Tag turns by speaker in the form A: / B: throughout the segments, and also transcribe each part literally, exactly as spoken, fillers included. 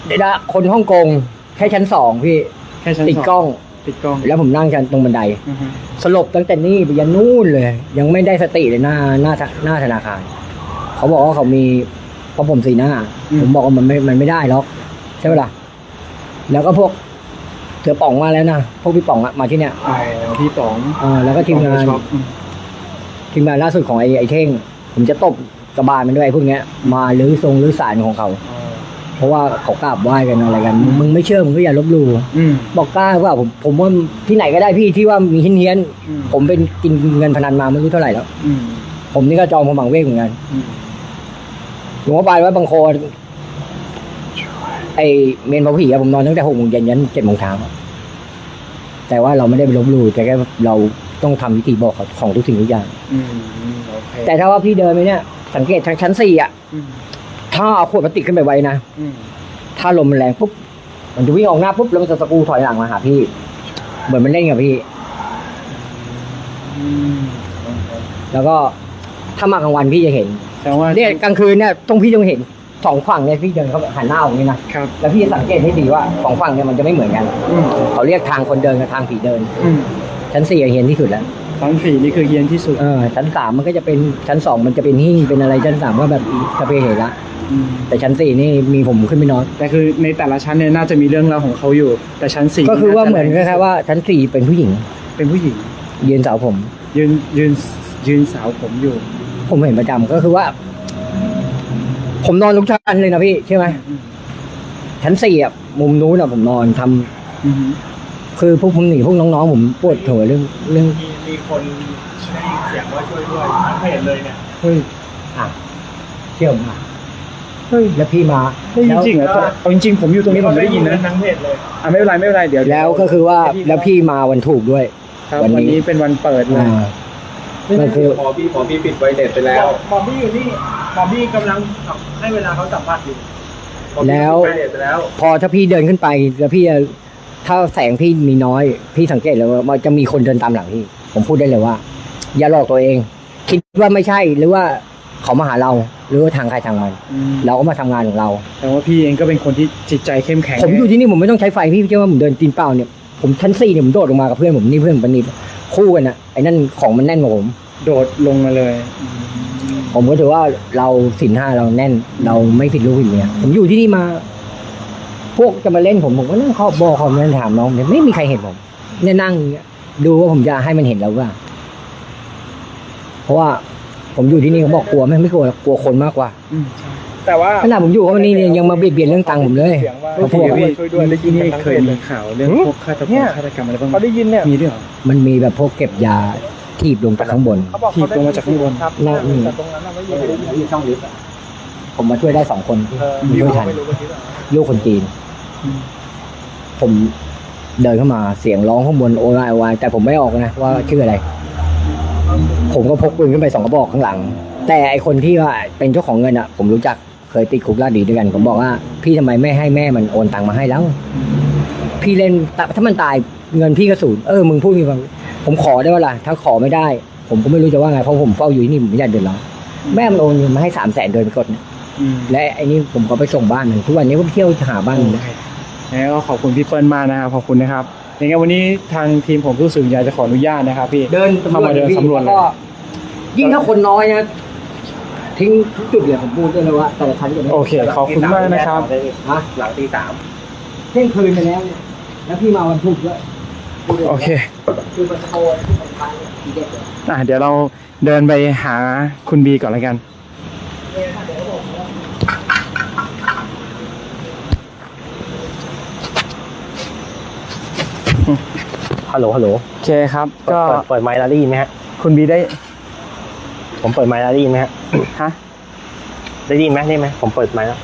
A: เดี๋ยวนะคนฮ่องกงแค่ชั้นสองพี่
B: แค่ชั้น
A: ติดกล้อง
B: ติดกล้อง
A: แล้วผมนั่งชั้นตรงบันไดสลบตั้งแต่นี่ไปยันนู่นเลย ยังไม่ได้สติเลยหน้าหน้าหน้าธนาคารเขาบอกว่าเขามีเพราะผมสีหน้าผมบอกว่ามันไม่มันไม่ได้หรอกใช่ไหมล่ะแล้วก็พวกเสือป่องมาแล้วนะพวกพี่ป่องมาที่เนี้ย
B: อ๋อพี่ป๋อง
A: อ่าแล้วก็ทีมงานทีมงานล่าสุดของไอ้ไอ้เท่งผมจะตบกระบาลมันด้วยพวกเนี้ยมาลื้อทรงลื้อสารของเขาเพราะว่าเขากราบไหว้กันอะไรกันมึงไม่เชื่อมึงก็อย่าลบหลู่บอกกล้าว่าผมผมว่าที่ไหนก็ได้พี่ที่ว่ามีเฮี้ยนๆผมเป็นกินเงินพนันมาไม่รู้เท่าไหร่แล้วผมนี่ก็จองผมบังเวกเหมือนกันหลวงพ่อปานว่าบางคนไอเมนพระผีอะผมนอนตั้งแต่หกโมงเย็นยันเจ็ดโมงเช้าแต่ว่าเราไม่ได้ไปลบหลู่แต่แค่เราต้องทำพิธีบอกของทุกสิ่งทุกอย่างแต่ถ้าว่าพี่เดินไปเนี่ยสังเกตทางชั้นสี่อ่ะถ้าเอาขวดพลาสติกขึ้นไปไว้นะถ้าลมมันแรงปุ๊บมันจะวิ่งออกหน้าปุ๊บแล้วมันจะสกูถอยหลังมาหาพี่เหมือนมันเล่นกับพี่แล้วก็ถ้ามากลางวันพี่จะเห็นแต่ว่าเนี่ยกลางคืนเนี่ยต้องพี่ต้องเห็นสองฝั่งเนี่ยพี่เดินเขาหันหน้าออกนี่นะครับแล้วพี่จะสังเกตให้ดีว่าสองฝั่งเนี่ยมันจะไม่เหมือนกันเขาเรียกทางคนเดินกับทางผีเดินชั้นสี่เฮียนที่สุดแล้ว
B: ชั้นสี่นี่คือเฮียนที่สุด
A: เออชั้นสามมันก็จะเป็นชั้นสองมันจะเป็นหิ้งเป็นอะไรชั้นสามก็แบบสเปรย์เห็นละแต่ชั้นสี่นี่มีผมขึ้นไปนอน
B: แต่คือในแต่ละชั้นเนี่ยน่าจะมีเรื่องราวของเขาอยู่แต่ชั้นสี่
A: ก็คือว่าเหมือนคล้ายๆว่าชั้นสี่เป็นผู้หญิง
B: เป็นผู้หญิง
A: ยืนสาวผม
B: ยืนยืนยืนสาวผมอยู่
A: ผมเห็นประจำก็คือว่าผมนอนทุกชั้นเลยนะพี่ใช่ไหมชั้นสี่อ่ะมุมนู้นอ่ะผมนอนทำคือพวกผมหนีพวกน้องๆผมปวดหัวเรื่องเรื่อง
C: มีคนได้ยินเสียงว่าช่วยด้วยทั้งเพจเลยเนี่ย
A: เฮ้ยอ่ะเชื่อมาเฮ้ยแล้วพี่มา
B: จริงๆเหรอเอาจริงๆผมอยู่ตรงนี้ผมไม่ได้ยินนะ
C: ทั้งเพจเลย
B: อ่ะไม่เป็นไรไม่เป็นไรเดี๋ยว
A: แล้วก็คือว่าแล้วพี่มาวันถูกด้วย
B: วันนี้เป็นวันเปิดเลย
A: มันคือ
C: หมอพี่หมอพี่ปิดไวเด็ดไปแล้วหมอพี่อยู่นี่หมอพี่กำลังให้เวลาเขาสัมภาษณ์อยู่
A: แล้วพอถ้าพี่เดินขึ้นไปแล้วพี่ถ้าแสงพี่มีน้อยพี่สังเกตเลยว่ามันจะมีคนเดินตามหลังพี่ผมพูดได้เลยว่าอย่าหลอกตัวเองคิดว่าไม่ใช่หรือว่าเขามาหาเราหรือว่าทางใครทางมันเราก็มาทำงานของเรา
B: แต่ว่าพี่เองก็เป็นคนที่จิตใจเข้มแข็ง
A: ผมอยู่ที่นี่ผมไม่ต้องใช้ไฟพี่เชื่อว่าผมเดินตีนเปล่าเนี่ยผมชั้นสี่เนี่ยผมโดดลงมากับเพื่อนผมนี่เพื่อนผมปนิดคู่กันอะไอ้นั่นของมันแน่นกว่าผม
B: โดดลงมาเลย
A: ผมก็ถือว่าเราศีลห้าเราแน่นเราไม่ผิดลูกผิดเมียผมอยู่ที่นี่มาพวกจะมาเล่นผมผมก็นั่งขอบบอกเขานั่งถามน้องเนี่ยไม่มีใครเห็นผมเนี่ยนั่งดูว่าผมจะให้มันเห็นเราว่าเพราะว่าผมอยู่ที่นี่เขาบอกกลัวไม่ไม่กลัวกลัวคนมากกว่า
B: แต่ว่า
A: ขนาดผมอยู่เขาวันนี้เนี่ยยังมาเบียดเบียนเรื่องตังค์ผมเลย
B: เขาพูดว่าช่วยด้วยที่นี่เคยมีข่าวเรื่องพวกฆาตกรรมฆาตกรรมอะไรบ้าง
C: เขาได้ยินเนี่ย
B: มีด้วยเหรอ
A: มันมีแบบพวกเก็บยาทีบลงจากข้างบน
B: ทีบลงมาจากข้างบน
A: นั่นนี่ช่องลิฟต์ผมมาช่วยได้สองคนช่วยทันลูกคนจีนผมเดินเข้ามาเสียงร้องข้างบนโอไอวายแต่ผมไม่ออกนะว่าชื่ออะไรผมก็พกปืนขึ้นไปสองกระบอกข้างหลังแต่ไอคนที่ว่าเป็นเจ้าของเงินอ่ะผมรู้จักเคยติดคุกลาดดีด้วยกันผมบอกว่าพี่ทำไมไม่ให้แม่มันโอนตังค์มาให้แล้วพี่เล่นถ้ามันตายเงินพี่ก็สูญเออมึงพูดมีความผมขอได้ว่าล่ะถ้าขอไม่ได้ผมก็ไม่รู้จะว่าไงเพราะผมเฝ้าอยู่ที่นี่ผมไม่อยากเดือดร้อนแม่มันโอนเงินมาให้สามแสนเดือนไปกดและไอ้นี่ผมก็ไปส่งบ้านมันทุกวันนี้ผมเที่ยวหาบ้านมัน
B: แล้วก็ขอบคุณพี่เปิ้ลมากนะครับขอบคุณนะครับอย่างเงี้ยวันนี้ทางทีมผมรู้สึกอยากจะขออนุญาตนะครับพี่
A: เดิน
B: เข้ามาเดินสำรวจเลย
A: ยิ่งถ้าคนน้อยนะทิ้งทุกจุดเลยผมพูดได้เลยว่าแต่ละชั้นจะ
B: โอเคขอบคุณมากนะครับ
A: ฮะ
C: หลังตีสาม
A: เที่ยงคืนไปแล้วเนี่ยแล้วพี่มาวันพุธด้วย
B: โอเค
A: คือมันโตที่สำคัญทีเด็ดเลย
B: อ่ะเดี๋ยวเราเดินไปหาคุณบีก่อนแล้วกัน
C: ฮัลโหลฮัลโหล
B: โอเคครับก็
C: เปิดไมค์แล้วได้ยินไหมฮะ
B: คุณบีได้
C: ผมเปิดไมค์แล้วได้ยินไหมฮะ
B: ฮะ
C: ได้ยินไหมได้ไหมผมเปิดไมค์แล้ว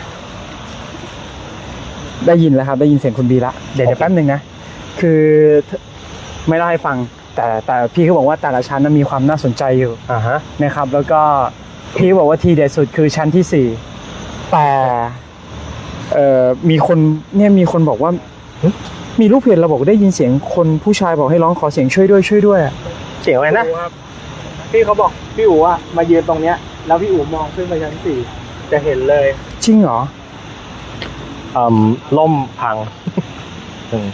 B: ได้ยินแล้วครับได้ยินเสียงคุณบีละเดี๋ยวเดี๋ยวแป๊บนึงนะคือไม่เล่าให้ฟังแต่แต่พี่เขาบอกว่าแต่ละชั้นนั้นมีความน่าสนใจอยู่
C: อ่าฮะ
B: นะครับแล้วก็พี่บอกว่าทีเด็ดสุดคือชั้นที่สี่แต่เอ่อมีคนเนี่ยมีคนบอกว่ามีลูกเพจเราบอกได้ยินเสียงคนผู้ชายบอกให้ร้องขอเสียงช่วยด้วยช่วยด้วย
C: เสียงอะไรนะ
B: พี่เขาบอกพี่อู๋อะมายืนตรงเนี้ยแล้วพี่อู๋มองขึ้นไปชั้นสี่จะเห็นเลยจริงเหรอ
D: เอ่อล่มพัง อืม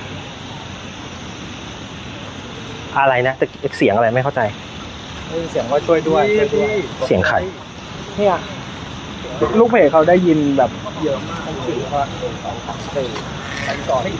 D: อะไรนะแต่เสียงอะไรไม่เข้าใจ
C: เสียงว่าช่วยด้วยช่วยด้วย
D: เสียงใคร
C: เนี่ยลูกเพจเขาได้ยินแบบเยอะมากคือว่าหนึ่งสองสามสี่ชั้นก่อน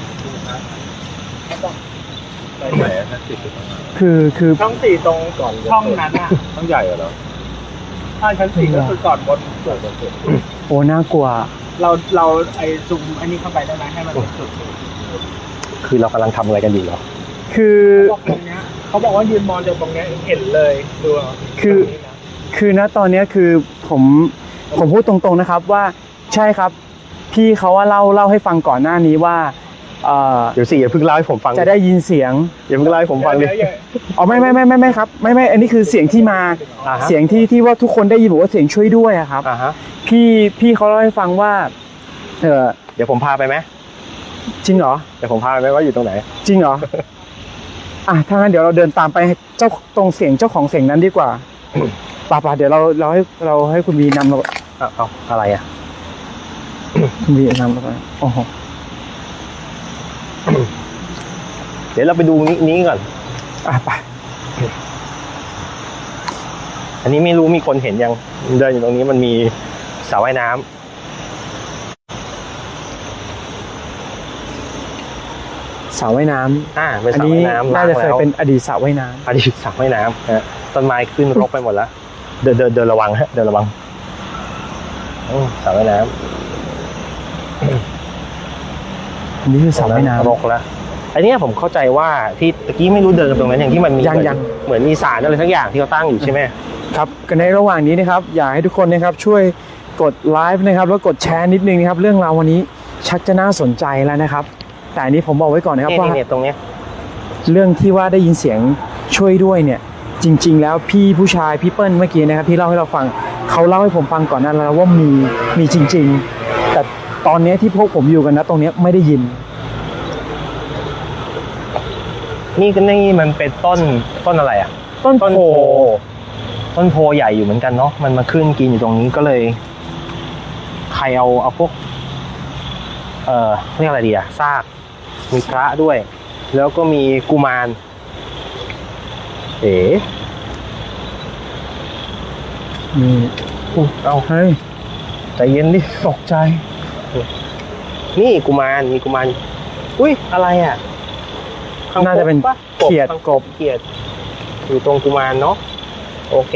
C: ไหนๆนะสิ
B: คือคือ
C: ช่องสี่ตรงก่อนช่องนั้นอ่ะ
D: ต้องใหญ่เหรอ
C: ถ้าชั้นสี่ก็คือก่อนบนสุด
B: โอ้น่ากลัว
C: เราเราไอซูมอันนี้เข้าไปได้ไหมให้มันเป็นจุด
D: คือเรากำลังทำอะไรกันอยู่เหรอ
B: คือ
C: เขาบอกตรงเนี้ยเขาบอกว่ายืนมองจากตรงเนี้ยเห็นเลยดูเอา
B: คือ คือณตอนเนี้ยคือผมผมพูดตรงๆนะครับว่าใช่ครับ พี่เขาว่าเล่าเล่าให้ฟังก่อนหน้านี้ว่าเอ่อ
D: เดี๋ยวสิอย่าเพิ่งเล่าให้ผมฟัง
B: จะได้ยินเสียง
D: อย่าเพิ่งเล่าให้ผมฟังดิ
C: เดี๋ยวเดี๋ยว
B: อ๋อไม่ไม่ไม่ไม่ไม่ครับไม่ไม่อันนี้คือเสียงที่มา
D: อ่าฮะ
B: เสียงที่ที่ว่าทุกคนได้ยินบอกว่าเสียงช่วยด้วยอะครับ
D: อ่าฮะ
B: พี่พี่เขาเล่าให้ฟังว่าเออ
D: เดี๋ยวผมพาไปไหม
B: จริงเหรอ
D: เดี๋ยวผมพาไปไหมว่าอยู่ตรงไหน
B: จริงเหรอ อ่ะถ้างั้นเดี๋ยวเราเดินตามไปเจ้าตรงเสียงเจ้าของเสียงนั้นดีกว่าป่าป่าเดี๋ยวเราเราให้เราให้คุณวีนำเรา
D: เอาเอาอะไรอ่ะ
B: คุณวีนำเราไปโอ้โห
D: เดี๋ยวเราไปดูนี้นี้ก่อน
B: อ่ะไป
D: อันนี้ไม่รู้มีคนเห็นยังเดินอยู่ตรงนี้มันมีสระว่ายน้ำ
B: สระว่ายน้ำ
D: อ่าเป็น
B: อัน
D: สระ
B: นี้
D: ว่ายน้ำ
B: น่าจะเคย
D: ล้งแล้ว
B: เป็นอดีตสระว่ายน้
D: อดีตสระว่ายน้ำนะฮะต้นไม้ขึ้นรกไปหมดแล้ว เดินเดินเดินระวังฮะเดินระวังอืมสระว่ายน้ำ
B: ำอันนี้คือสระว่ายน้
D: รกแล้วอันเนี้ยผมเข้าใจว่าที่ตะกี้ไม่รู้เดินตรงนั้นอย่างที่มันมี
B: ยังยัง
D: เหมือนมีสารอะไรทั้งอย่างที่เขาตั้งอยู่ใช่ไหม
B: ำครับกันในระหว่างนี้นะครับอยากให้ทุกคนนะครับช่วยกดไลฟ์นะครับแล้วกดแชร์นิดนึงนะครับเรื่องราววันนี้ชักจะน่าสนใจแล้วนะครับ แต่อันนี้ผมบอกไว้ก่อนนะครับ
D: นี่
B: ว่า
D: นี่ตรงเนี้ย
B: เรื่องที่ว่าได้ยินเสียงช่วยด้วยเนี่ย จริง ๆ แล้วพี่ผู้ชายพี่เปิ้ลเมื่อกี้นะครับที่เล่าให้เราฟังเขาเล่าให้ผมฟังก่อนหนั้นแล้วว่ามีมีจริง ๆ แต่ตอนนี้ที่พวกผมอยู่กันนะตรงเนี้ยไม่ได้ยิน
D: นี่ก็นี่มันเป็นต้นต้นอะไรอ่ะ
B: ต้น
D: ต้น
B: โพ
D: โพต้นโพใหญ่อยู่เหมือนกันเนาะมันมาขึ้นกินอยู่ตรงนี้ก็เลย ใครเอาเอาพวก เอ่อเรียกอะไรดีอะซากมีพระด้วย แล้วก็มีกุมาร เอ๋
B: มี
D: อุ๊ยเอา
B: เฮ้ย
D: ใจเย็นดิตกใจ นี่กุมารมีกุมารอุ้ยอะไรอ่ะคงคก
B: น่าจะเป็น
D: ปะ
B: เขียด
D: คาง
B: กบ
D: เขียดอยู่ตรงกุมารเนาะโอเค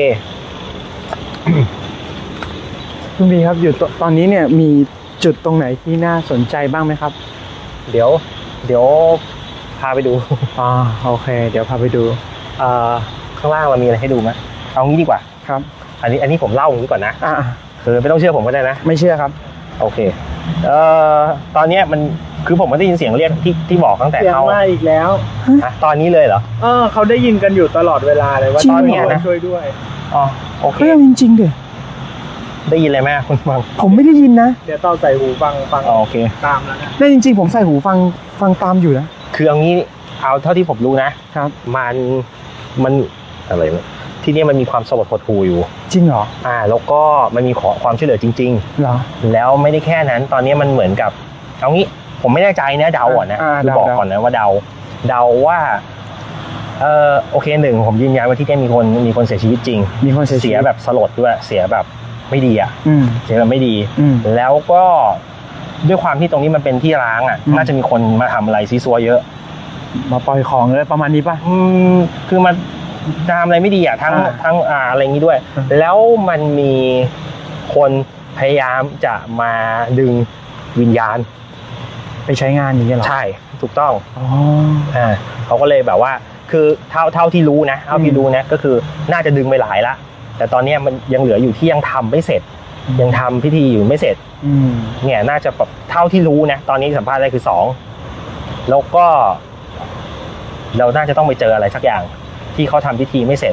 B: คุณบีครับอยู่ตตอนนี้เนี่ยมีจุดตรงไหนที่น่าสนใจบ้างไหมครับ
D: เดี๋ยว เดี๋ยวพาไปดู
B: อ่าโอเค เดี๋ยวพาไปดู
D: เอ่อข้างล่างเรามีอะไรให้ดูไหมเอางี้ดีกว่า
B: ครับ
D: อันนี้อันนี้ผมเล่าอย่างนี้ก่อนนะ
B: อ่า
D: คือไม่ต้องเชื่อผมก็ได้นะ
B: ไม่เชื่อครับ
D: โอเค เอ่อตอนเนี้ยมันคือผมไม่ได้ยินเสียงเรียกที่ที่บอกตั้งแต่
C: เสียง
D: เข้า
C: มาอีกแล้ว
D: ฮะตอนนี้เลยเหรอ
C: เออเขาได้ยินกันอยู่ตลอดเวลาเลยว่า
B: จริง
C: ตอน
B: เหรอ
C: นี้นะช่วยด้วย
D: อ๋อโอเค
B: เรื่องจริงๆเดี๋ย
D: ได้ยินอะไรไหมคุณฟัง
B: ผมไม่ได้ยินนะ
C: เดี๋ยวต่อใส่หูฟังฟัง
D: อ๋อโอเค
C: ตามแล้วนะ
B: ได้จริง ๆ ผมใส่หูฟังฟังตามอยู่นะ
D: คือเอางี้เอาเท่าที่ผมรู้นะครับ มันมันอะไรวะที่นี่มันมีความสลดหดหู่อยู่
B: จริงเหรอ
D: อ่า แล้วก็มันมีขอความช่วยเหลือจริง
B: เหรอ
D: ๆ แล้วไม่ได้แค่นั้น ตอนนี้มันเหมือนกับเอางี้ผมไม่แน่ใจนะเดาก่อนนะ
B: อ่า
D: คือ
B: เดา
D: บอก
B: เดา
D: ก่อนนะว่าเดาเดาว่าเออโอเคหนึ่งผมยืนยันว่าที่นี่มีคนมีคนเสียชีวิตจริง
B: มีคนเสียชี
D: เสีย
B: วิต
D: แบบสลดด้วยเสียแบบไม่ดีอ่ะ
B: อืม
D: เสียแบบไม่ดี
B: อืม
D: แล้วก็ด้วยความที่ตรงนี้มันเป็นที่ร้างอ่ะ
B: อืม
D: น่าจะมีคนมาทำอะไรซีซัวเยอะ
B: มาปล่อยของเลยประมาณนี้ป่ะ
D: อืมคือมันทำอะไรไม่ดีอ่ะทั้ง
B: อ่า
D: ทั้งอ่าอะไรอย่างนี้ด้วย
B: อืม
D: แล้วมันมีคนพยายามจะมาดึงวิญญาณ
B: ไปใช้งานอย่างเงี้ยเหรอ
D: ใช่ถูกต้อง
B: อ๋อ
D: อ่าเขาก็เลยแบบว่า คือเท่าเท่าที่รู้นะเท่าที่
B: อืม
D: รู้นะก็คือน่าจะดึงไปหลายละแต่ตอนเนี้ยมันยังเหลืออยู่ที่ยังทำไม่เสร็จ ยังทำพิธีอยู่ไม่เสร็จ
B: อืม
D: เนี่ยน่าจะแบบเท่าที่รู้นะตอนนี้สัมภาษณ์ได้คือสองแล้วก็ เราน่าจะต้องไปเจออะไรสักอย่างที่เขาทำพิธีไม่เสร็จ